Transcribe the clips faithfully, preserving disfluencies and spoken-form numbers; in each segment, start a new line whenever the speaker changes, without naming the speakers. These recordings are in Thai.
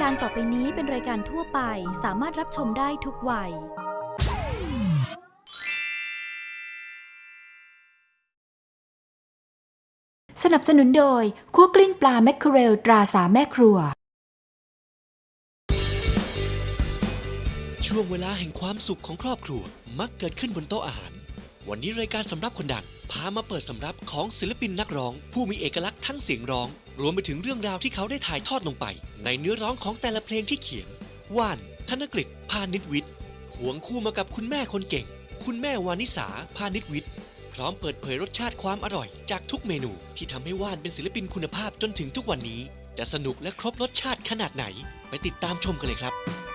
การต่อไปนี้เป็นรายการทั่วไปสามารถรับชมได้ทุกวัย
สนับสนุนโดยคั่วกลิ้งปลาแมคเคอเรลตราสามแม่ครัว
ช่วงเวลาแห่งความสุขของครอบครัวมักเกิดขึ้นบนโต๊ะอาหารวันนี้รายการสำรับคนดังพามาเปิดสำรับของศิลปินนักร้องผู้มีเอกลักษณ์ทั้งเสียงร้องรวมไปถึงเรื่องราวที่เขาได้ถ่ายทอดลงไปในเนื้อร้องของแต่ละเพลงที่เขียนว่านธนกฤษพานิชวิทย์ควงคู่มากับคุณแม่คนเก่งคุณแม่วานิสาพานิชวิทย์พร้อมเปิดเผยรสชาติความอร่อยจากทุกเมนูที่ทำให้ว่านเป็นศิลปินคุณภาพจนถึงทุกวันนี้จะสนุกและครบรสชาติขนาดไหนไปติดตามชมกันเลยครับ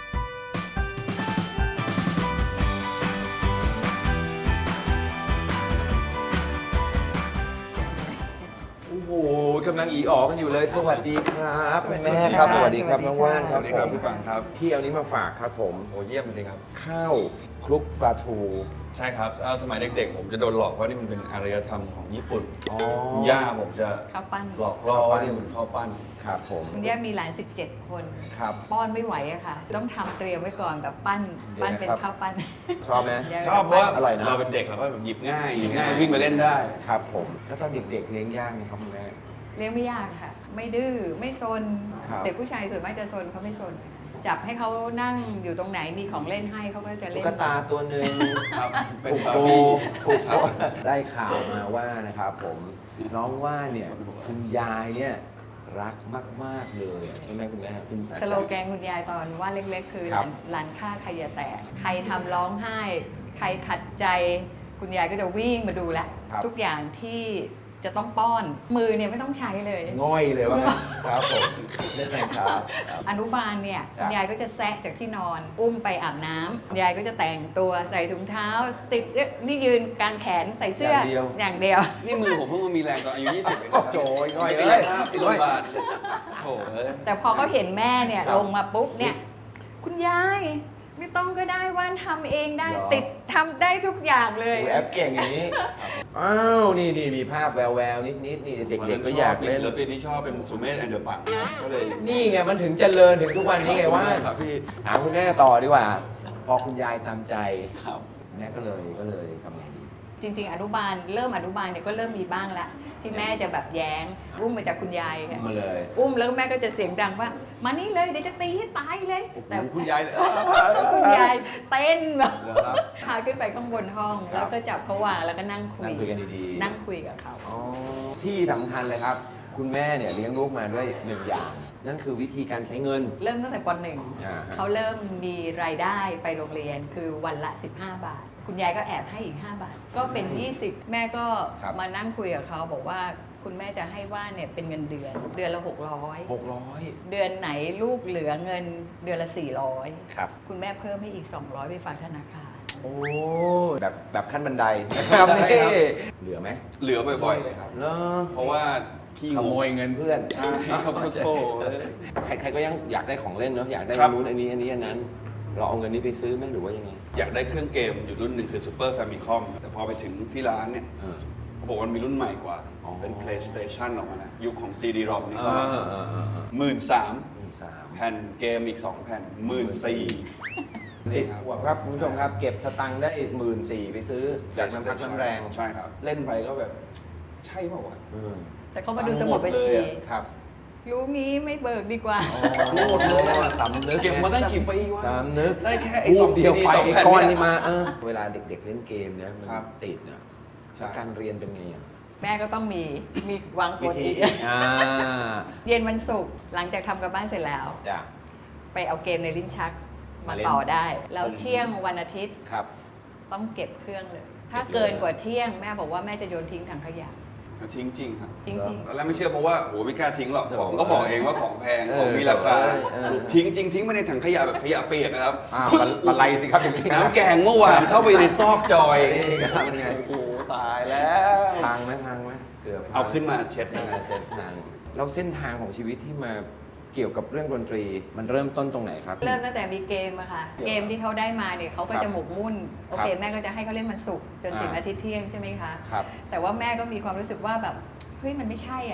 โอ้โหกำลังอีอ๋อกันอยู่เลยสวัสดีครับแม่ครับสวัสดีครับน้องว่านครับผมพี่ปังครับพี่เอานี้มาฝากครับผมโอ้เยี่ยมเลยครับข้าวคลุกปลาทู
ใช่ครับสมัยเด็กๆผมจะโดนหลอกว่านี่มันเป็นอารยธรรมของญี่ปุ่นย่าผมจะ
ข้าวปั้น
หลอกล่อว่านี่มันข้าวปั้น
ครับผม
คุณย่ามีหลานสิบเจ็ดคน
ครับ
ป้อนไม่ไหวอะค่ะต้องทำเตรียมไว้ก่อนแบบปั้นปั้นเป็นข้าวปั้น
ชอบไหม
ชอบเพราะว่า
อร่อยนะ
เราเป็นเด็กเราก็แบบหยิบง่ายหยิบง่ายวิ่งมาเล่นได้
ครับผมแล้วตอนเด็กๆเลี้ยงยากไหมครับคุณแม่
เลี้ยงไม่ยากค่ะไม่ดื้อไม่ซน
ครับ
เด็กผู้ชายส่วนมากจะซนเขาไม่ซนจับให้เขานั่งอยู่ตรงไหนมีของเล่นให้เขาก็จะเล่น
ตุ๊กตาตัวหนึ่ง
ครับเป็น
ผูก
บา
โต
ร์บี้
ผูกโตได้ข่าวมาว่านะครับผมน้องว่าเนี่ยคุณยายเนี่ยรักมากๆเลยใช่ไหมคุณแม่คุณ
สโลแกนคุณยายตอนว่าเล็กๆ คือ
ครับ
หลานฆ่าใครอย่าแตกใครทำร้องไห้ ใครขัดใจคุณยายก็จะวิ่งมาดูแลทุกอย่างที่จะต้องป้อนมือเนี่ยไม่ต้องใช้เลย
ง่อยเลยว่างั้นครับผมเล่นไงครับ
อนุบาลเนี่ย
จ้ะ
คุณยายก็จะแซะจากที่นอน อุ้มไปอาบน้ำคุณยายก็จะแต่งตัวใส่ถุงเท้า ติดเอ๊ะนี่ยืนกางแขนใส่เสื้ออย่างเดียวอย่างเดียว
นี่มือผมเพิ่งมามีแรงตอนอายุยี่สิบเองนะครับ
โจยง่อย
ไป
เล
กาย ยภาพที่โรงพยาบาลโถ่เอ้ย
แต่พอเขาเห็นแม่เนี่ย
ครับ
ลงมาปุ๊บเนี่ยคุณยายไม่ต้องก็ได้ว่านทำเองได้
เหรอ
ติดทำได้ทุกอย่างเลย
ดูแอปเก่งอย่างนี้อ้าวนี่นี่มีภาพแววแววนิดนิดๆนี่เด็กๆก็อยาก
มี
เล่น
ศิลปินที่ชอบเป็นสุเมธแอนเดอร์ปังก็เลย
นี่ไงมันถึงเจริญถึงทุกวันนี้ไงว่า
ครับพี่
หาคุณแม่ต่อดีกว่า พอคุณยายตามใจ
ครับ
แม่ก็เลยก็เลยทำไงดี
จริง ๆ อนุบาลเริ่มอนุบาลเนี่ยก็เริ่มมีบ้างละที่แม่จะแบบแย้งอุ้มมาจากคุณยายค่ะ
มาเลย
อุ้มแล้วแม่ก็จะเสียงดังว่ามานี่เลยเดี๋ยวจะตีให้ตายเลยแต่
คุณยายเลย
คุณยายเต้นแบบ
เหรอครับ
พาขึ้นไปข้างบนห้อง
ครับ
แล้วก็จับเขาวางแล้วก็นั่งคุ
นั่
ย
งคุยกันดีๆ
นั่งคุยกับเขา
อ๋อที่สำคัญเลยครับ คุณแม่เนี่ยเลี้ยงลูกมาด้วยหนึ่งอย่าง นั่นคือวิธีการใช้เงิน
เริ่มตั้งแต่ปหนึ่ง
อ่าฮะ
เขาเริ่มมีรายได้ไปโรงเรียนคือวันละ สิบห้า บาท คุณยายก็แอบให้อีก ห้า บาท ก็เป็น ยี่สิบ แม่ก็
ครับ
มานั่งคุยกับเขาบอกว่าคุณแม่จะให้ว่านเนี่ยเป็นเงินเดือน เดือนละ หกร้อย
หกร้อย
เดือนไหนลูกเหลือเงินเดือนละ สี่ร้อย
ครับ
คุณแม่เพิ่มให้อีก สองร้อย ไปฝากธนาคาร
โอ้แบบแบบขั้นบันไดนะครับ
ได้
นี่
ครับ
เหลือไหม
เหลือบ่อยๆเลยครับ
เนาะ
เพราะว่าพี่
ขโมยเงินเพื่อน
ใช่ครับโถ่
ใครใครก็ยังอยากได้ของเล่นเนาะอยากได้
ครับ
นู้นอันนี้อันนี้อันนั้น เราเอาเงินนี้ไปซื้อไหมหรือว่ายังไง
อยากได้เครื่องเกมอยู่รุ่นหนึ่งคือ Super Famicom แต่พอไปถึงที่ร้านเนี่ย
เออ
เขาบอกว่ามีรุ่นใหม่กว่า
อ๋อ
เป็น PlayStation ออกมานะยุคของ ซี ดี รอม นี่
เอ
เขา
อเออเออเออ
หมื่นสาม
หนึ่งสาม
แผ่นเกมอีกสองแผ่นหมื่นสี่
สิบขวบครับคุณผู้ชมครับ เก็บสตังค์ได้หมื่นสี่ไปซื้อจากน้ำพักน้ำแรง
ใช่ครับ เล่นไปก็แบบ ใช่เปล่าวะ
เออ
แต่เขามาดูสมุดบัญชี
ครับ
รู้งี้ไม่เบิกดีกว่า
รู้หมดเลยอะสำนึก
เก็บมาตั้งกี่ปีวะ
สำนึก
ได้แค่ไอ้สอง
เดียว
ซีดี
ไป
สอง
ไอ้
แผ่น
ก้อน
เนี่ย
นี่มาเออเวลาเด็กๆเล่นเกมเนี่ยมัน
ครับ
ติดเนี่ย
ใช่
แล้วการเรียนเป็นไงอ่ะ
แม่ก็ต้องมีมีวางก
วิ
ฎ
ธี
อีก
อ่า
เย็นวันศุกร์หลังจากทำกับบ้านเสร็จแล้ว
จ้ะ
ไปเอาเกมในลิ้นชักมา
มาเล่น
ต่อได้ แล้วเที่ยงวันอาทิตย์
ครับ
ต้องเก็บเครื่องเลย ถ้า
เก็บเลย
เกินกว่าเที่ยงแม่บอกว่าแม่จะโยนทิ้งถังขยะ
ทิ้งจริงครับ
จริง
ตอนแรกไม่เชื่อเพราะว่าโหไม่กล้าทิ้งหรอก
เออ
ของก็บอกเองว่าของแพง
เออ
ของมีราคา
เออเออ
ทิ้งจริงทิ้งไปในถังขยะแบบขยะเปียกนะครับ
อ้าวปลาไหลสิครับอย่างนี้
น้ำแกงเมื่อวานเข้าไปในซอกจอย
นี่ครับเป็นไง
โอ้โหตายแล้ว
พังไหมพังไหมเกือบพัง
เอาขึ้นมาเช็ด
เอ
นะ
อเช็ดทางแล้วเส้นทางของชีวิตที่มาเกี่ยวกับเรื่องดนตรี มันเริ่มต้นตรงไหนครับ
ๆ เริ่มตั้งแต่มีเกมอะค่ะ เกมที่เขาได้มาเนี่ยเขาก็
ครับ
จะหมกมุ่น โอเค
ครับ
แม่ก็จะให้เขาเล่นมันศุกร์จนถึง
อ่า
อาทิตย์เที่ยงใช่ไหมคะ
ครับ
แต่ว่าแม่ก็มีความรู้สึกว่าแบบเฮ้ยมันไม่ใช่อ่ะ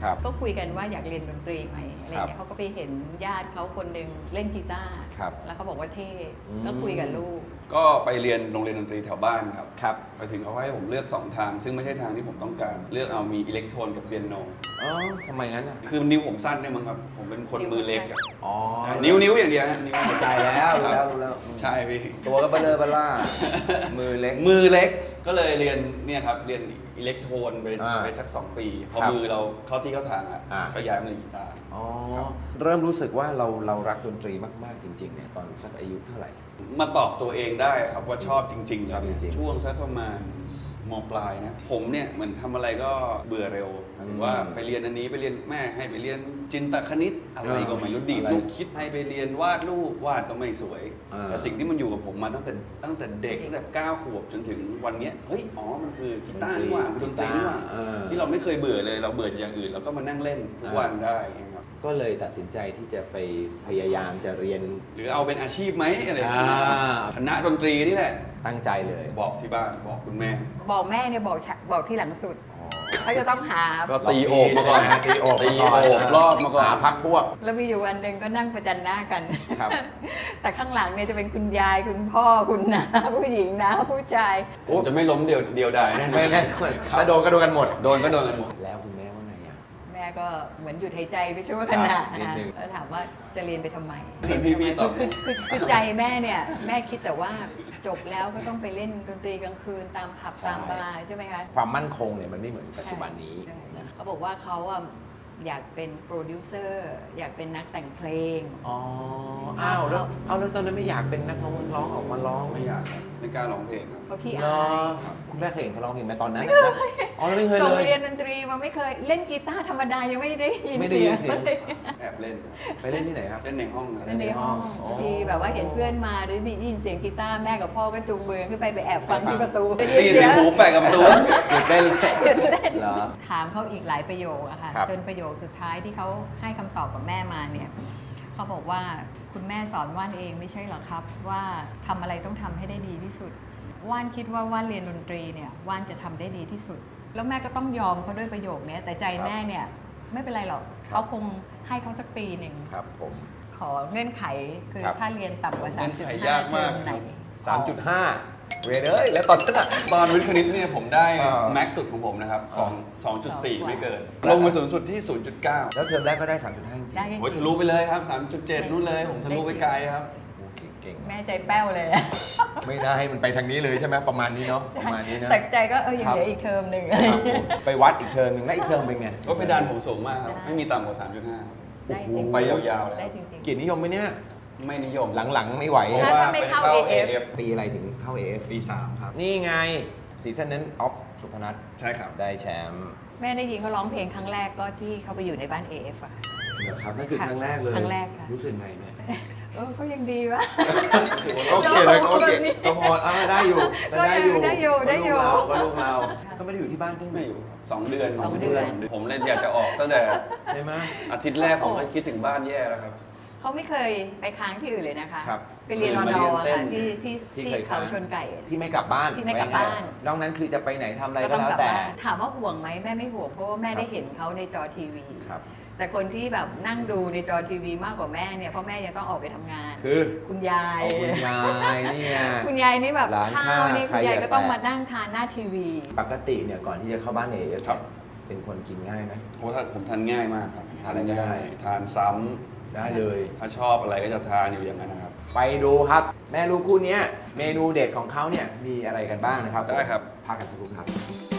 ครับ
ก็คุยกันว่าอยากเรียนดนตรีไหมอะไร
ครับ
เงี้ยเขาก็ไปเห็นญาติเขาคนหนึ่งเล่นกีตาร์
ครับ
แล้วเขาบอกว่าเท่
อืม
ก็คุยกับลูก
ก็ไปเรียนโรงเรียนดนตรีแถวบ้านครับ
ครับ
ไปถึงเขาให้ผมเลือกสองทาง ซึ่งไม่ใช่ทางที่ผมต้องการ เลือกเอามีอิเล็กโทรนกับเปียโน
อ๋อทำไมงั้นอ่ะ
คือนิ้วผมสั้นเนี่ยมั้งครับ ผมเป็นคนมือเล็กอะ
อ๋อ
ใช่นิ้วนิ้วอย่างเดียวนะนิ้ว
เข้าใจแล้วรู้แล้วรู้แล้ว
ใช่พี่
ตัวก็เบลอเบล่า มือเล็ก
มือเล็กก็เลยเรียนเนี่ยครับเรียนอิเล็กโทรนไป
อ่า
ไปสักสองปี พอ
ครับ
มือเราเข้าที่เข้าทางอ่ะ
อ่า
ก็ย้ายมาเล่นกีตาร์
อ๋อ
ครับ
เริ่มรู้สึกว่าเราเรารักดนตรีมากๆจริงๆเนี่ยตอนสักอายุเท่าไหร่
มาตอบตัวเองได้ครับว่าชอบจริงๆ
ชอบจริงๆ
ช่วงสักประมาณมปลายนะผมเนี่ยเหมือนทำอะไรก็เบื่อเร็วหรือว่าไปเรียนอันนี้ไปเรียนแม่ให้ไปเรียนจินตคณิตอะไรก็ไม่รู้ดีด
อะไร
ลูกคิดให้ไปเรียนวาดรูปวาดก็ไม่สวย
อ่า
แต่สิ่งที่มันอยู่กับผมมาตั้งแต่ตั้งแต่เด็กตั้งแต่เก้าขวบจนถึงวันเนี้ยเฮ้ยอ๋อมันคือกีตาร์นี่หว่ามันดนตรีนี่หว่า
เออ
ที่เราไม่เคยเบื่อเลยเราเบื่อจากอย่างอื่นเราก็มานั่งเล่นทุกวันได้อย่างเงี้ยครับ
ก็เลยตัดสินใจที่จะไปพยายามจะเรียน
หรือเอาเป็นอาชีพไหมอะไรอย่างเงี้ย
อ่า
คณะดนตรีนี่แหละ
ตั้งใจเลย
บอกที่บ้านบอกคุณแม่
บอกแม่เนี่ยบอกฉะบอกที่หลังสุดเขาจะต้องหา
ก็ตีโอบมาก่อน
ตีโอบ
ตีโอบรอบมาก่อน
หาพักพวก
แล้วมีอยู่วันหนึ่งก็นั่งประจันหน้ากัน
ครับ
แต่ข้างหลังเนี่ยจะเป็นคุณยายคุณพ่อคุณน้าผู้หญิงนะผู้ชาย
ผมจะไม่ล้มเดียวเดียวดายแน่
ไม่แน่ถ้าโดนก็โดนกันหมด
โดนก็โดนกันหมด
แล้วคุณแม่ว่าไงอ่ะ
แม่ก็เหมือนหยุดหายใจไปชั่วขณะ
ครับนิด
นะ
นึง
แล้วถามว่าจะเรียนไปทำไม
เหมือนพี่ๆตอบ
คือคือคือใจแม่เนี่ยแม่คิดแต่ว่าจบแล้วก็ต้องไปเล่นดนตรีกลางคืนตามผับ
ใช่
ตามบาร์ใช่ไหมคะ
ความมั่นคงเนี่ยมันไม่เหมือนปัจจุบันนี้
ใช่
นะ
เขาบอกว่าเขาอะอยากเป็นโปรดิวเซอร์อยากเป็นนักแต่งเพลง
อ๋อ อ้าวแล้วเอาแล้วตอนนั้นไม่อยากเป็นนักร้องนักร้องออกมาร้อง
ไม่อยากครับไม่กล้าร้องเพลงครับ
เพราะพี่
เหร
อา
อย คุณแม่เคยเห็นเขาร้องเพลงไหมตอนนั้นนะอ๋อแล้วไม่เคย
ส่ง
เลย
เรียนดนตรีมาไม่เคยเล่นกีตาร์ธรรมดายังไม่ได้ยิน
ไม่ได้
เสี
ยิ
ย
น
ง
เสียง
เลย
แอบเล่น
ไปเล่นที่ไหนครับ
เล่นในห้องครับ
เล่นในห้อง
อ๋อ
บางทีแบบว่าเห็นเพื่อนมาหรือได้ยินเสียงกีตาร์แม่กับพ่อก็จูงมือขึ้นไปไปแอบฟังที่ประตู
ได้ยินเสียงหูแปะกับตัว
หยุดเล่น
หยุดเล่น
เหรอ
ถามเขาอีกหลายประโยคอะค่ะ
ครับ
จนประโยคสุดท้ายที่เขาให้คำตอบกับแม่มาเนี่ยเขาบอกว่าคุณแม่สอนว่านเองไม่ใช่หรอครับ ว่าทำอะไรต้องทำให้ได้ดีที่สุด ว่านคิดว่าว่านเรียนดนตรีเนี่ยว่านจะทำได้ดีที่สุด แล้วแม่ก็ต้องยอมเขาด้วยประโยคนี้แต่ใจแม่เนี่ยไม่เป็นไรหรอก
ครับ
เขาคงให้เขาสักปีหนึ่ง
ครับผม
ขอเงื่อนไขคือ
ครับ
ถ้าเรียนต่ำกว่า
เงื่
สาม
อน
จุด
ไข
ห้าย
ากมาก
เทอมไหน
สามจุดห้าเวรเอ้ยแล้วตอนนั้นอะ
ตอนวิทย์คณิตเนี่ยผมได้
อ่า
แม็กซ์สุดของผมนะครับสองสองจุดสี่
สองกว่า
ไม่เกิน ลงมาสูงสุดที่ ศูนย์จุดเก้า
แล้วเทอมแรกก็ได้ สามจุดห้าจริง
ได้
โอ้ยทะลุไปเลยครับ สามจุดเจ็ด นู่นเลย ผมทะลุไปไกลครับ
ๆโอ้เก่งๆ
แม่ใจแป้วเลยอะ
ไม่ได้ให้มันไปทางนี้เลยใช่ไหมประมาณนี้เนาะประมาณนี้นะ
แต่ใจก็เออยัง
ครับ
เหลืออีกเทอมหนึ่ง
ครับผมไปวัดอีกเทอมหนึ่งแล้วอีกเทอมเป็นไง
ก็เพดานผมสูงมากครับ ไม่มีต่ำกว่า สามจุดห้า
ได้จริงๆ
ไปยาวๆเลย
ได้จริง
เกียรตินิยมไหมเนี่ย
ไม่นิยม
หลังๆไม่ไหว
เพราะ
ถ้า
ว่า
ถ้าไม่
ไป
เข้า
เข้า
เอ
เอ
ฟ
ฟ
ปีอะไรถึงเข้า เอ เอฟ
ปีสามครับ
นี่ไงซีซั่นนั้นออฟสุพนัท
ใช่ครับ
ได้แชมป์
ๆ แม่ได้ยินเขาร้องเพลงครั้งแรกก็ที่เขาไปอยู่ในบ้าน เอ เอฟ อะ
นะครับนั่นคือ
ค่ะ
ครั้งแรกเลย
ครั้งแรกค่ะ
รู้สึกไงแม่
เออเขายังดีวะ
โอเคเลยโอเค
แบบนี้
ก็พออ่าได้อยู่
ก็ยังได้อยู่ได้อยู่
ก็ลูกเราก็ไม่ได้อยู่ที่บ้านตั้ง
ไม่อยู่สองเดือน
สองเดือน
ผมเลยอยากจะออกตั้งแต่
ใช่ไหม
อาทิตย์แรกผมก็คิดถึงบ้านแย่แล้วครับ
เขาไม่เคยไปค้างที่อื่นเลยนะคะ
ครับ
ไปเรียนรอ
มา
ด
เรียน
อะ
เต้
ค่ะ
น
ที่ที่
ที่
ที่
เคยค้า
เขา
ง
ชนไก่
ที่ไม่กลับบ้าน
ที่ไม่กลับบ้าน
นอกนั้นคือจะไปไหนทำอะไร
ก็
ก็
ต้อง
แล้ว
กลับ
แต่
บ้านถามว่าห่วงไหมแม่ไม่ห่วงเพราะว่าแม่
ครับ
ได้เห็นเขาในจอทีวี
ครับ
แต่คนที่แบบนั่งดูในจอทีวีมากกว่าแม่เนี่ยเพราะแม่ยังต้องออกไปทำงาน
คือ
คุณยาย
เอาคุณยายนี่ไง
คุณยายนี่แบบ
ร้าน
ข้า
ข้าว
วนี่
ใคร
คุณยาย
อยาก
ก็ต้อง
ไป
มานั่งทานหน้าทีวี
ปกติเนี่ยก่อนที่จะเข้าบ้านเอฟ
ครับ
เป็นคนกินง่ายไหม
เพราะถ้าผมทานง่ายมากครับ
ทานอะไรก็ได้
ทานซ้ำ
ได้เลย
ถ้าชอบอะไรก็จะทานอยู่อย่างนั้นนะครับ
ไปดูครับ แม่ลูกคู่เนี้ยเมนูเด็ดของเขาเนี่ยมีอะไรกันบ้างนะครับ
ได้ครับ
พักกันสักครู่ครับ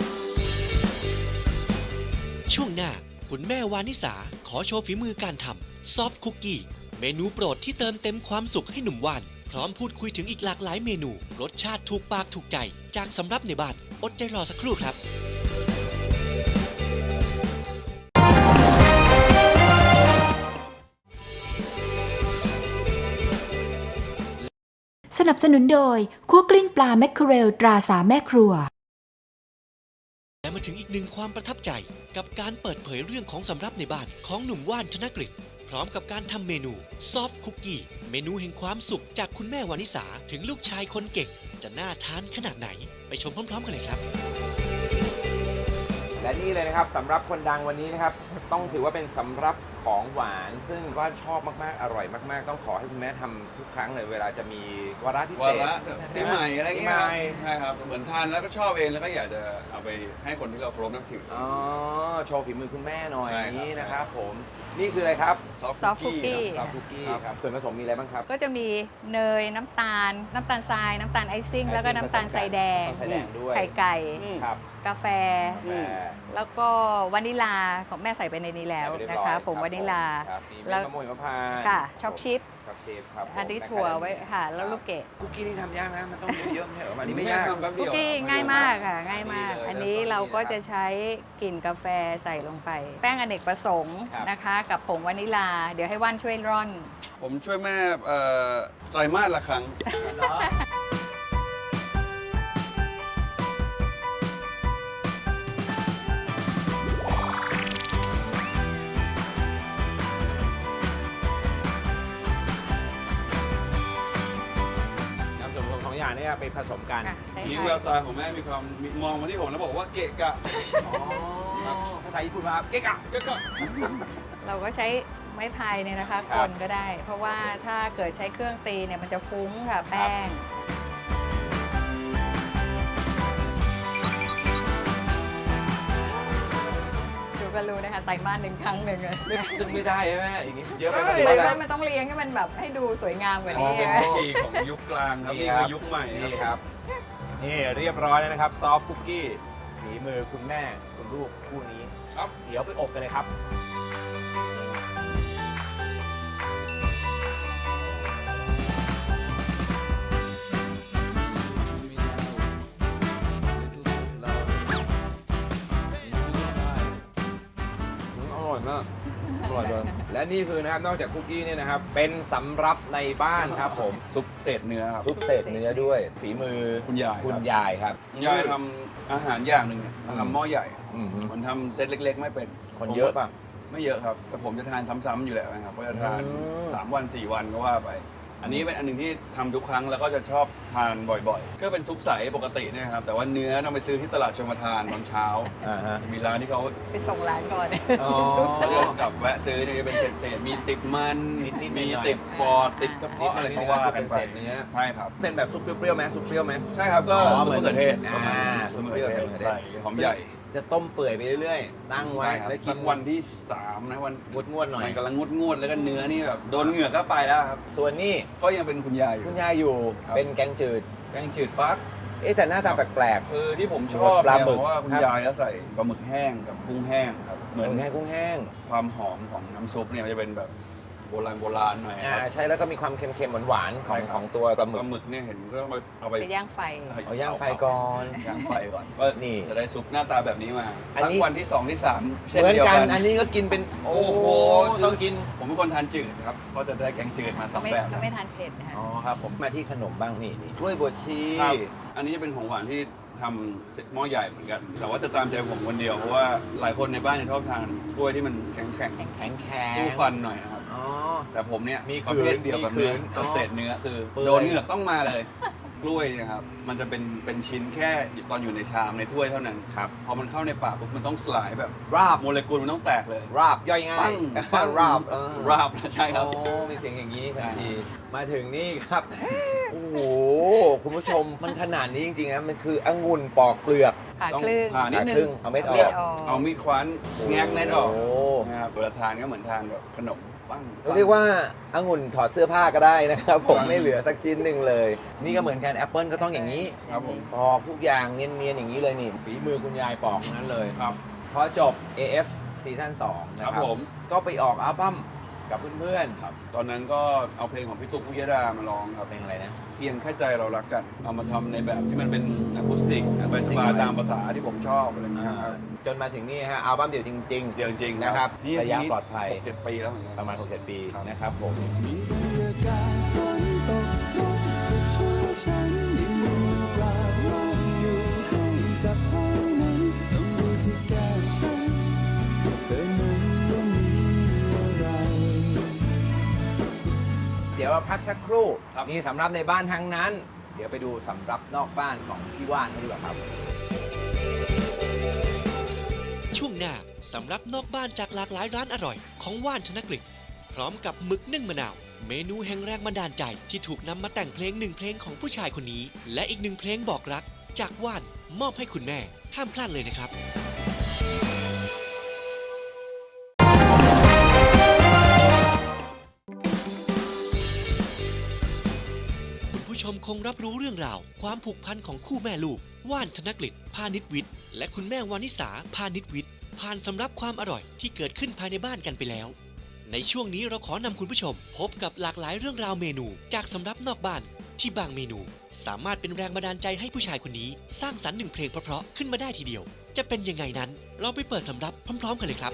ช่วงหน้าคุณแม่วานิสาขอโชว์ฝีมือการทำซอฟต์คุกกี้เมนูโปรดที่เติมเต็มความสุขให้หนุ่มว่าน พร้อมพูดคุยถึงอีกหลากหลายเมนู รสชาติถูกปากถูกใจ จากสำรับในบ้านอดใจรอสักครู่ครับ
สนับสนุนโดยคั่วกลิ้งปลาแมคเคอเรลตราสามแม่ครัว
และมาถึงอีกหนึ่งความประทับใจกับการเปิดเผยเรื่องของสำรับในบ้านของหนุ่มว่านธนกฤษพร้อมกับการทำเมนูซอฟต์คุกกี้เมนูแห่งความสุขจากคุณแม่วานิสาถึงลูกชายคนเก่ง จะน่าทานขนาดไหน ไปชมพร้อมๆกันเลยครับ
และนี่เลยนะครับสำหรับคนดังวันนี้นะครับต้องถือว่าเป็นสำรับของหวาน ซึ่งว่านชอบมากๆอร่อยมากๆ ต้องขอให้คุณแม่ทำทุกครั้งเลยเวลาจะมีวาระพิเศ
วา
ษ
ระปีใหม่อะไร
ปี
เงี้
ให
ย
ม่
ใช่ครับเหมือนทานแล้วก็ชอบเองแล้วก็อยากจะเอาไปให้คนที่เราเคารพนับถือ
อ๋อโชว์ฝีมือคุณแม่หน่อย
ใช่
อ
ครับ
ย่างนี้นะครับผมนี่คืออะไรครับ
ซอฟต์
Soft
คุกกี้
cookie
ซอฟต์คุกกี้ครับส่วนผสมมีอะไรบ้างครับ
ก็จะมีเนยน้ำตาล น้ำตาลทราย น้ำตาลไอซิ่ง แล้วก็น้ำตาลทรายแดง
น้ำตาลทรายแดงด้วย
ไข่ไก่
ครับ
กาแฟ
กาแฟ
แล้วก็วานิลาของแม่ใส่ไปในนี้แล้ว
ใส่ไปเรียบ
นะ
ร้อย
คะผง
รับ
วานิลา
ครับมีเม็
แล้
ด
ว
มะม่วงหิมพานต์
ค่ะช็อกชิพ
ช็อกชิพครับผม
อันนี้ถั่วไว้ค่ะ แล้วลูกเกด
คุกกี้นี่ทำยากนะ มันต้องเยอะๆไม่ใช่เหรออันนี้ไม่ยาก
ทำแป๊บเดี
คุ
ยว
กกี้ง่ายมากค่ะ ง่ายมาก
นี่เลย
อันนี้เราก็จะใช้กลิ่นกาแฟใส่ลงไป แป้งอเนกประสงค์
ครับ
นะคะ กับผงวานิลา เดี๋ยวให้ว่านช่วยร่อน
ผมช่วยแม่เอ่อไตรมาสละครั้ง
น้ำส่วนผสมของอย่างนี้ไปผสมกัน
ค่ะใช่
นี่
ค่ะ
แววตาของแม่มีความมีมองมาที่ผมแล้วบอกว่าเกะกะ
อ๋อภาษาญี่ปุ่นมาเก๊กะ
เกะกะ
เราก็ใช้ไม้พายเนี่ยนะคะ
ครั
ก
บ
ลก็ได้ เพราะว่าถ้าเกิดใช้เครื่องตีเนี่ยมันจะฟุ้งค่ะแป้ง ดูก็รู้นะคะไตรมาสหนึ่งครั้งหนึ่งอะ
ซึ่งไม่ได้ใช่ไหมอย่างนี้เยอะไป
ไ
หมด
ตร
เลย
มา
นะ
สมันต้องเลี้ยงให้มันแบบให้ดูสวยงามกว่า
อ๋อ
นี้
เป็น
อะ
วิธีของยุคกลางครับ
นี่
นี่
ครั
คื
บ
อยุคใหม่
นี่ครับ นี่เรียบร้อยแล้วนะครับ ซอฟต์คุกกี้ฝีมือคุณแม่คุณลูกคู่นี้
ครับ
เดี๋ยวไปอบกันเลยครับ อืมอร่อยมาก อร่อยเลยและนี่คือนะครับ นอกจากคุกกี้เนี่ยนะครับ เป็นสำรับในบ้านครับผม
ซุปเศษเนื้อครับ
ซุปเศษเนื้อด้วย ฝีมือ
คุณยายครับ
คุณยายครับ
ยายทำอาหารอย่างหนึ่งเนี่ย
อืม
ทำหม้อใหญ่
อืม
มันทำเซตเล็ก ๆ ไม่เป็น
คนเยอะป่ะ
ไม่เยอะครับ แต่ผมจะทานซ้ำๆอยู่แล้วนะครับก็จะทาน
อืม
สามวันสี่วันก็ว่าไป อันนี้เป็นอันหนึ่งที่ทำทุกครั้งแล้วก็จะชอบทานบ่อยๆ ก็เป็นซุปใสปกติเนะครับ แต่ว่าเนื้อต้องไปซื้อที่ตลาดชมทานตอนเช้า
อ่าฮะ
มีร้านที่เขา
ไปส่งร้านก่อน
อ๋อ
เลือกกับแวะซื้อเนี่ยจะเป็นเศษๆมีติดมัน
นิดๆหน่
มี
อยๆ
ติดปอดติดกระเพาะอะไรก็ว่ากันไป
เป็นเศษเนื้อ
ใช่ครับ
เป็นแบบซุปเปรี้ยวๆไหมซุปเปรี้ยวไหม
ใช่ครับก็
อ๋อ
ซุปมะเขือเทศ
อ่า
ซุปมะเขือเทศ
ซุปมะเขือเทศ
ใส่หอมใหญ่
จะต้มเปื่อยไปเรื่อยๆ ตั้งไว้
ใช่ครับ
แล้วกิ
สั
น
กวันที่สามนะวัน
งดงวดๆหน่อย
มันกำลังงดงวดๆแล้วก็เนื้อนี่แบบโดนเหงือกก็ไปแล้วครับ
ส่วนนี้
ก็ยังเป็นคุณยายอยู่
คุณยายอยู่
ครับ
เป็นแกงจืด
แกงจืดฟัก
เอ๊ะแต่หน้าตาแปลก
คือที่ผมชอบ
ปลา
เนี่ย
หมึก
เพราะว่าคุณ
ครับ
ยายแล้วใส่ปลาหมึกแห้งกับกุ้งแห้งครับ
ๆ
เหมือน
กุ้งแห้งกุ้งแห้ง
ความหอมของน้ำซุปเนี่ยมันจะเป็นแบบโบราณโบราณหน่อยค
อ่า
รับ
ใช่แล้วก็มีความเค็มๆหวานๆของ
ใช่ครับ
ของตัวปลาหมึ
ป
ก
ลาหมึกเนี่ยเห็นก็ต้องไปเอาไป
ไปย่างไฟ
เอาย่างไฟก่อน
ย่างไฟก่อนก็
นี่
จะได้ซุปหน้าตาแบบนี้มา
อัน
สัก
นี้
วันที่สองที่สามเช่น
เหมือน
เดียว
กั
กัน น
อันนี้ก็กินเป็น โอ้โห
คื
ต้องกิน
ผมเป็นคนทานจืดครับก็จะได้แกงจืดมาส
ก็
อง
ไม่
แบบ
ก็ไม่ทานเผ็ดนะคะ
อ๋อครับผมมาที่ขนมบ้างนี่นี่กล้วยบวชชี
ครับอันนี้จะเป็นของหวานที่ทำหม้อใหญ่เหมือนกัน แต่ว่าจะตามใจผมคนเดียวเพราะว่าหลายคนในบ้านจะชอบทานกล้วยที่มันแข็ง
แข็งแข็ง
ๆสู้ฟันหน่อยนะครับ
อ๋อ
แต่ผมเนี่ย
มี
ประเภทเดียวกับ
มี
เนื้อ
ขืน
กับเศษเนื้อคือ
เปื่อย
โดนเหงือกต้องมาเลย กล้วยเนะครับมันจะเป็นเป็นชิ้นแค่ตอนอยู่ในชามในถ้วยเท่านั้น
ครับ
พอมันเข้าในปากปุ๊บมันต้องสลายแบบ
ราบ
โมเลกุลมันต้องแตกเลย
ราบย่อยง่า
ปั้
ย
งปั้ง
ราบเออ
ราบใช่ครับ
โอ้มีเสียงอย่างนี้ทันที มาถึงนี่ครับ โอ้โห คุณผู้ชมมันขนาดนี้จริงๆนะ มันคือองุ่นปอกเปลือก
ผ่า
ต้อง
ครึ่ง
ผ่านิดนึ
ครึ่
ง
งเอาเม็ดอ
เม็
อ
ด
ก
ออก
เอามีดคว้านแงกเม็ดออก
โอ้
นะครับเวลาทานก็เหมือนทานแบบขนมปั้ง
เรียกว่าองุ่นถอดเสื้อผ้าก็ได้นะครับ ผมไม่เหลือสักชิ้นหนึ่งเลย นี่ก็เหมือนกันแอปเปิลก็ต้องอย่างนี้
ครับผม
ปอกทุกอย่างเนียนๆอย่างนี้เลยนี่ ฝีมือคุณยายปอกทั้งนั้นเลย
ครับ
พอจบ เอ เอฟ ซีซั่นสองนะค
ครั
รับบ
ผม
ก็ไปออกอัลบั้มกับเพื่อน
ครับตอนนั้นก็เอาเพลงของพี่ตุ๊กพุยดามาร้องครับ
ๆเพลงอะไรนะ
เพียงแค่ใจเรารักกัน เอามาทำในแบบที่มันเป็นอะคูสติกสบาย
acoustic
ๆตามภาษาที่ผมชอบอะไรอย่างเงี้ยครับ
จนมาถึงนี่ฮะอัลบั้มเดี่ยวจริง
เดี๋ยวจริงๆ
นะครับ
นี่
ระยะปลอดภัย
หกเจ็ดปีแล้วเหมือนกัน
ๆ ประมาณหกเจ็ดปี
ครับ
นะครับผม
มีบรรยากาศฝนตกลงแต่ช่วยฉันยังมีปลาว่างอยู่ให้จับเท่านั้นต้องดูที่แก้มฉันเธอนั้นว่ามีอะไร
เดี๋ยวเราพักสักครู่
ครับ
มีสำรับในบ้านทั้งนั้น เดี๋ยวไปดูสำรับนอกบ้านของพี่ว่านกันดีกว่าครับ
สำหรับนอกบ้านจากหลากหลายร้านอร่อยของว่านธนกฤษพร้อมกับหมึกนึ่งมะนาวเมนูแห่งแรงบันดาลใจที่ถูกนำมาแต่งเพลงหนึ่งเพลงของผู้ชายคนนี้และอีกหนึ่งเพลงบอกรักจากว่านมอบให้คุณแม่ห้ามพลาดเลยนะครับคุณผู้ชมคงรับรู้เรื่องราวความผูกพันของคู่แม่ลูกว่านธนกฤษพาณิชวิทย์และคุณแม่วานิสาพาณิชวิทย์ผ่านสำรับความอร่อยที่เกิดขึ้นภายในบ้านกันไปแล้วในช่วงนี้เราขอนำคุณผู้ชมพบกับหลากหลายเรื่องราวเมนูจากสำรับนอกบ้านที่บางเมนูสามารถเป็นแรงบันดาลใจให้ผู้ชายคนนี้สร้างสรรค์หนึ่งเพลงเพราะๆขึ้นมาได้ทีเดียวจะเป็นยังไงนั้นเราไปเปิดสำรับพร้อมๆกันเลยครับ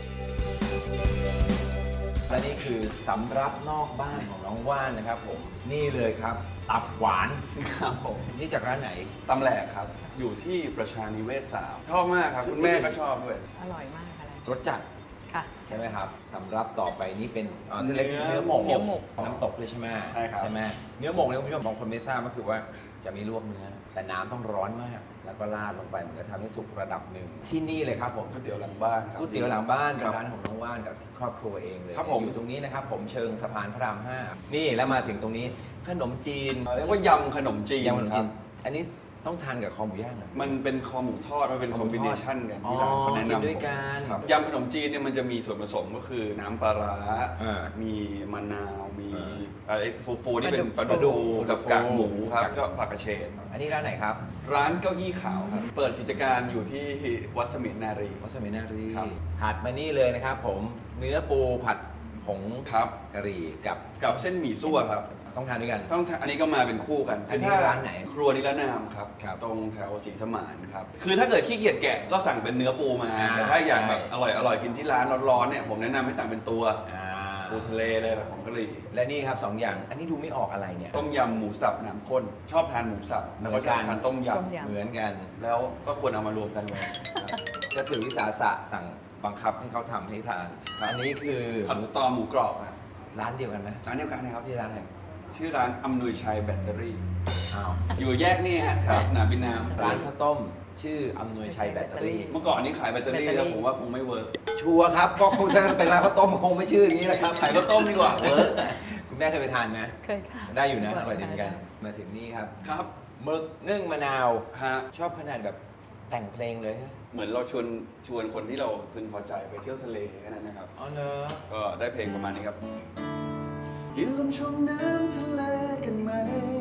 และนี่คือสำรับนอกบ้านของน้องว่านนะครับผมนี่เลยครับตับหวาน
ครับผม
นี่จากร้านไหน
ตำแหลกครับ อยู่ที่ประชานิเวศสามชอบมากครับ คุณแม่ก็ชอบด้วย
อร่อยมากอะไร
รสจัด
ค่ะ
ใช่ไหมครับสำรับต่อไปนี่เป็นอ๋อเส้นเล็ก
เนื้อ
เนื้อหมก
เนื้อหมก
น้ำตกด้วยใช่ไหม
ใช่ครับ
ใช่ไหมเนื้อหมกเนี่ยคุณผู้ชมบางคนไม่ทราบก็คือว่าจะไม่ลวกเนื้อ แต่น้ำต้องร้อนมาก แล้วก็ราดลงไปเหมือนกับทำให้สุกระดับหนึ่งที่นี่เลยครับผม
ก๋วยเตี๋ยวหลังบ้านครับ
ก๋วยเตี๋ยวหลังบ้าน
ค
เป็
รับ
นร้านของน้องว่านกับครอบครัวเองเลย
ครับผม
อยู่ตรงนี้นะครับผมเชิงสะพานพระรามห้านี่แล้วมาถึงตรงนี้ขนมจีน
เรียกว่ายำขนมจีน
ยำขนม
ค
จี
รับ
นอันนี้ต้องทานกับคอหมูย่างเหรอ
มันเป็นคอหมูทอด มันเป็น
ค
ค
อ
อ
ห
ม
มูทอด
บิเนชันกันที่ร้านเขาแนะ
อ๋อกิน
นำ
ด้วยกัน
ครับยำขนมจีนเนี่ยมันจะมีส่วนผสมก็คือน้ำปลาร้า
อ่า
มีมะนาว มี
อ่า
อะไรฟูฟูๆนี่เป็นป
ป
ลา
ลาดุ
ดุ
ก
กกับกากหมูครับก็ผักกระเฉด
อันนี้ร้านไหนครับ
ร้านเก้าอี้ขาวครับ เปิดกิจการอยู่ที่วัดเสมียนนารี
วัสมินารี
ครับ
ผัดมานี่เลยนะครับผมเนื้อปูผัดผง
ครับ
กะหรี่กับ
กับเส้นหมี่ซั่วครับ
ต้องทานด้วยกัน
ต้องทานอันนี้ก็มาเป็นคู่กัน
อันนี้
คืถ้
ร้านไหน
ครัวนิรนามครับ
ครับ
ตรงแถวศรีสมานครับ คือถ้าเกิดขี้เกียจแกะก็สั่งเป็นเนื้อปูมา
อ่า
แต่ถ้าอยาก
ใช่
แบบอร่อยอร่อยกินที่ร้านร้อนๆเนี่ยผมแนะนำให้สั่งเป็นตัว
อ่า
ปูทะเลเลยแบบของกะหรี่
และนี่ครับสองอย่าง อันนี้ดูไม่ออกอะไรเนี่ย
ต้มยำหมูสับน้ำข้น ชอบทานหมูสับแล้วก็ชอบทานต้มย
ต้มย
เหมือนกัน
ำแล้วก็ควรเอามารวมกันเลยครับ
ก็ถือวิสาสะสั่งบังคับให้เขาทำให้ทาน
ครับ
อันนี้คือ
ผัดสตอหมูกรอบครับ
ร้านเดียวกันไหม
ร้านเดียวกันนะครับ
ที่ร้านอะไร
ชื่อร้านอำนวยชัยแบตเตอรี่
อ้าว
อยู่แยกนี่ฮะแถวสนามบินน้ำ
ร้านข้าวต้ม ชื่ออำนวยชัยแบตเตอรี่
เมื่อก่อนนี้ขายแบตเตอรี่แล้วผมว่าคงไม่เวิร์ก
ชัวร์ครับก็คงถ้าเป็นร้านข้าวต้มคงไม่ชื่ออย่างนี้แหละครับ
ขายข้าวต้มดีกว่า
เวิร์กคุณแม่เคยไปทานไหม
เคยค่ะ
ได้อยู่นะอร่อยดี
ค่ะ
เหมือนกัน มาถึงนี่ครับ
ครับ
หมึกนึ่งมะนาว
ฮะ
ชอบขนาดแบบแต่งเพลงเลยฮะ
เหมือนเราชวนชวนคนที่เราพึงพอใจไปเที่ยวทะเลแค่นั้นนะครับ
อ๋อเนอะ
ก็ได้เพลงประมาณนี้ครับกินลมชมน้ำทะเลกันไหม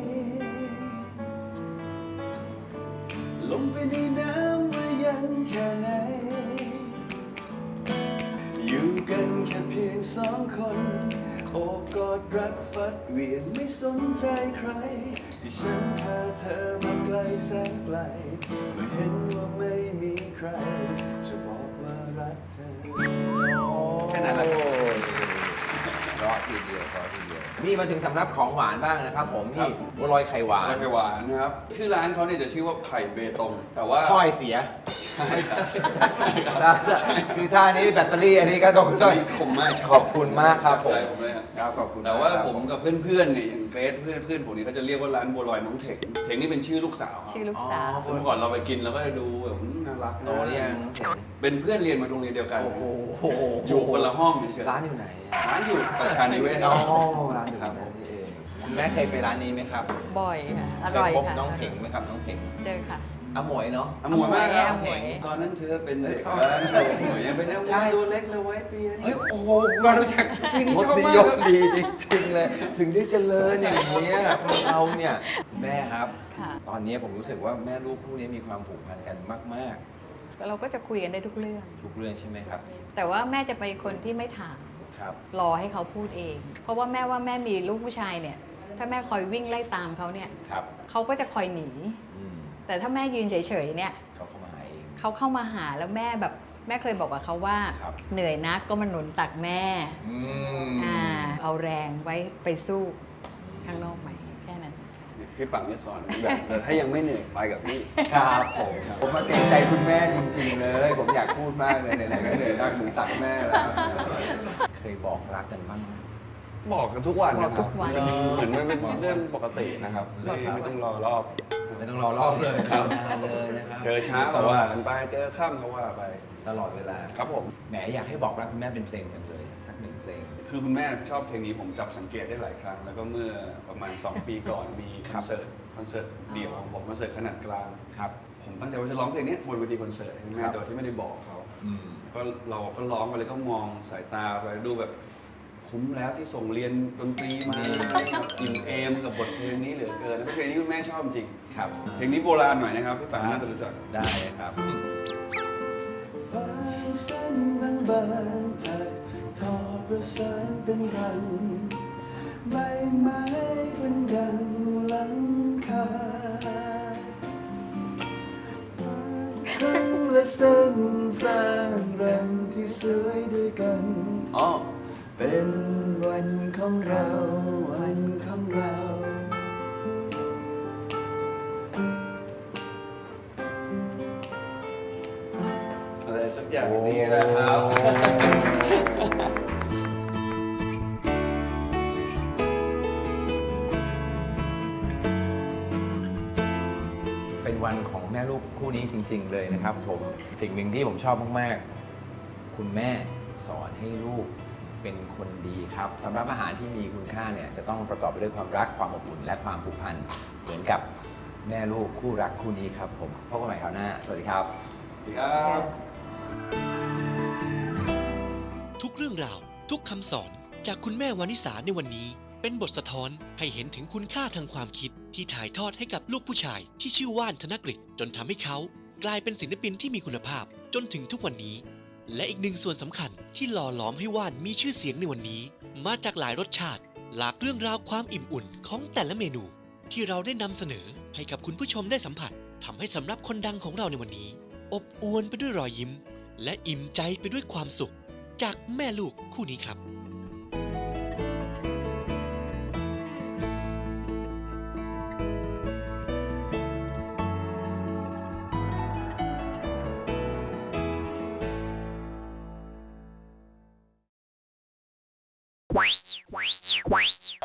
ลงไปในน้ำว่าเย็นแค่ไหน อยู่กันแค่เพียงสองคนโอบกอดรัดฟัดเหวียงไม่สนใจใคร ที่ฉันพาเธอมาไกลแสนไกลเมื่อเห็นว่าไม่มีใคร จะบอกว่ารักเธอ แค่นั้นแหละ
เพราะทีเดียวเพราะทีเดียว นี่มาถึงสำรับของหวานบ้างนะครับผม
ครั
นี่
บ
บัวลอยไข่หวาน
ร้านไข่หวานนะครับชื่อร้านเขาเนี่ยจะชื่อว่าไข่เบตง แต่ว่า
ถ้อยเสีย
ใช่ใช่
คือท่านี้แบตเตอรี่อันนี้ก็ต้อง
ใช่ขมมาก
ขอบคุณมากครับผม
ใจผมเลยครับ
ครับขอบคุณ
แต่ว่า
ครับ
ผมกับเพื่อนๆเนี่ยอย่างเกรซเพื่อนเพื่อนผมนี่เขาจะเรียกว่าร้านบัวลอยน้องเถงเถงนี่เป็นชื่อลูกสาว
ชื่อลูกสาว
ซึ่งเมื่อก่อนเราไปกินเราก็จะดูแบบอืมน่ารักนะ
โตหรือยังเห็น
เป็นเพื่อนเรียนมาโรงเรียนเดียวกัน
โอ้โห
อยู่คนละห้องเฉยๆ
ร้านอยู่ไหน
ร้านอยู่ประชานิเวศ
อ๋อ
สอง
ร้านอยู่
ครับ
นั่นนี่เองคุณแม่เคยไปร้านนี้ไหมครับ
บ่อยค่ะ อร่อย
เคพบ
ค่ะ
น้องเถงไหมครับน้องเถง
เจอค่ะ
อาหมวยเนาะ
อมวยมากครับ
อมวย
ตอนนั้นเธอเป็นเด็ก
เอ้ย
ใช่หมวยยังเป็น
ใช่
ตัวเล็กเลยไว้เปีย
เฮ้ยโอ้โหมารู้จักพี่นี่ชอบมากครับดีจริงๆเลย ถึงได้เจริญอย่างเนี้ยคนเราเนี่ยแม่ครับ
ค่ะ
ตอนนี้ผมรู้สึกว่าแม่ลูกคู่นี้มีความผูกพันกันมาก
เราก็จะคุยกันได้ทุกเรื่อง
ๆ ทุกเรื่องใช่ไหมครับ
แต่ว่าแม่จะเป็นคนที่ไม่ถาม
ครับ
รอให้เขาพูดเอง เพราะว่าแม่ว่าแม่มีลูกผู้ชายเนี่ย ถ้าแม่คอยวิ่งไล่ตามเขาเนี่ย
ครับ
เขาก็จะคอยหนี
อืม
แต่ถ้าแม่ยืนเฉยๆเนี่ย
เขาเข้ามาหาเอง
เขาเข้ามาหาแล้วแม่แบบแม่เคยบอกกับเขาว่า
ครับ
เหนื่อยนักก็มาหนุนตักแม่
อืม
อ่าเอาแรงไว้ไปสู้ข้างนอกใหม่แค่นั้น
พี่ปังจะสอนแบบแต่ถ้ายังไม่เหนื่อยไปกับพี่
ครับผมผมมาเกรงใจคุณแม่จริง ๆ เลย ผมอยากพูดมากเลยไหนๆก็เหนื่อยนักหนูตักแม่แล้วเคยบอกรักกันบ้างไหม
บอกกันทุกวันนะ
บอก
ค
ทุ
รับ
กวัน
เหมือนมันเป็นเรื่องปกตินะครับ
บอกทุกวัน
ไม่ต้องรอรอบ
ไม่ต้องรอรอบเลย
ครับ
มาเลยนะครับ
เจอเช้าก็ว่ากันไปเจอค่ำก็ว่าไป
ตลอดเวลา
ครับผม
แหมอยากให้บอกรักคุณแม่เป็นเพลงจังเลยสักหนึ่งเพลง
คือคุณแม่ชอบเพลงนี้ผมจับสังเกตได้หลายครั้ง แล้วก็เมื่อประมาณ สอง ปีก่อนมีคอนเสิร์ตคอนเสิร์ตเดี่ยวของผมคอนเสิร์ตขนาดกลาง
ครับ
ผมตั้งใจว่าจะร้องเพลงนี้บนเวทีคอนเสิร์ตให้
ค
แม่
รับ
โดยที่ไม่ได้บอกเขา
อืม
ก็เราก็ร้องไปเลยก็มองสายตาไปดูแบบคุ้มแล้วที่ส่งเรียนดนตรีมาอิ่มเอมกับบทเพลงนี้เหลือเกินแล้วเพลงนี้คุณแม่ชอบจริง
ครับ
เพลงนี้โบราณหน่อยนะครับพี่ปังน่าจะรู้จัก
ได้เลยครับ
ฟ้าเส้นบางๆถักทอประสานเป็นรังใบไม้เป็นดังหลังคาครั้งละเส้นสร้างรังที่สวยด้วยกัน
อ๋อ
เป็นวันของเราวันของเรา
อะไรสักอย่างนี้นะครับ
เป็นวันของแม่ลูกคู่นี้จริง ๆ เลยนะครับผมสิ่งหนึ่งที่ผมชอบมากๆ คุณแม่สอนให้ลูกเป็นคนดีครับสำหรับอาหารที่มีคุณค่าเนี่ยจะต้องประกอบไปด้วยความรักความอบอุ่นและความผูกพันเหมือนกับแม่ลูกคู่รักคู่นี้ครับผมพบกันใหม่คราวหน้าสวัสดีครับ
ครับ
ทุกเรื่องราว ทุกคำสอนจากคุณแม่วานิสาในวันนี้ เป็นบทสะท้อนให้เห็นถึงคุณค่าทางความคิดที่ถ่ายทอดให้กับลูกผู้ชายที่ชื่อว่านธนกฤษจนทำให้เขากลายเป็นศิลปินที่มีคุณภาพจนถึงทุกวันนี้ และอีกหนึ่งส่วนสำคัญที่หล่อหลอมให้ว่านมีชื่อเสียงในวันนี้ มาจากหลายรสชาติ หลากเรื่องราวความอิ่มอุ่นของแต่ละเมนู ที่เราได้นำเสนอให้กับคุณผู้ชมได้สัมผัสทำให้สำหรับคนดังของเราในวันนี้ อบอวลไปด้วยรอยยิ้ม และอิ่มใจไปด้วยความสุข จากแม่ลูกคู่นี้ครับ
Wow, wow, wow.